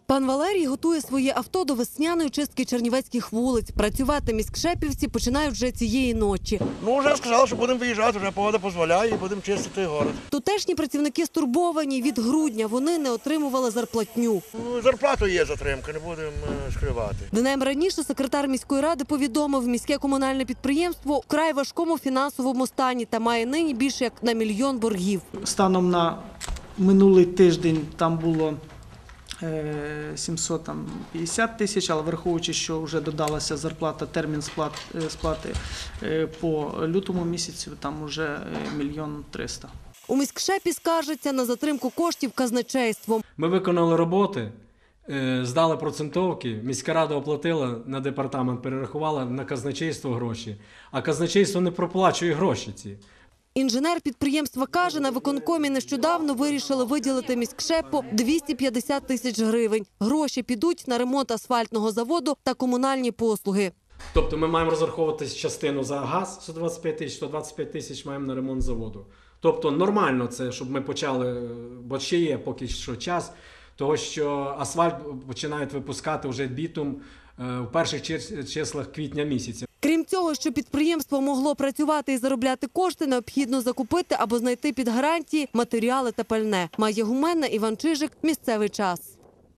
Пан Валерій готує своє авто до весняної чистки чернівецьких вулиць. Працювати міськшепівці починають вже цієї ночі. Вже сказали, що будемо виїжджати, вже погода дозволяє і будемо чистити город. Тутешні працівники стурбовані. Від грудня вони не отримували зарплатню. Зарплату є затримка, не будемо скривати. Днем раніше секретар міської ради повідомив, міське комунальне підприємство вкрай важкому фінансовому стані та має нині більше як на 1 мільйон боргів. Станом на минулий тиждень там було 750 тисяч, але враховуючи, що вже додалася зарплата, термін сплати по лютому місяцю, там вже 1 300 000. У міськшепі скаржаться на затримку коштів казначейством. Ми виконали роботи, здали процентовки, міська рада оплатила, на департамент перерахувала на казначейство гроші, а казначейство не проплачує гроші ці. Інженер підприємства каже, на виконкомі нещодавно вирішили виділити міськшепу 250 тисяч гривень. Гроші підуть на ремонт асфальтного заводу та комунальні послуги. Тобто ми маємо розраховувати частину за газ 125 тисяч маємо на ремонт заводу. Тобто нормально це, щоб ми почали, бо ще є поки що час, того що асфальт починають випускати вже бітум в перших числах квітня місяця. Крім цього, щоб підприємство могло працювати і заробляти кошти, необхідно закупити або знайти під гарантії матеріали та пальне. Майя Гуменна, Іван Чижик. Місцевий час.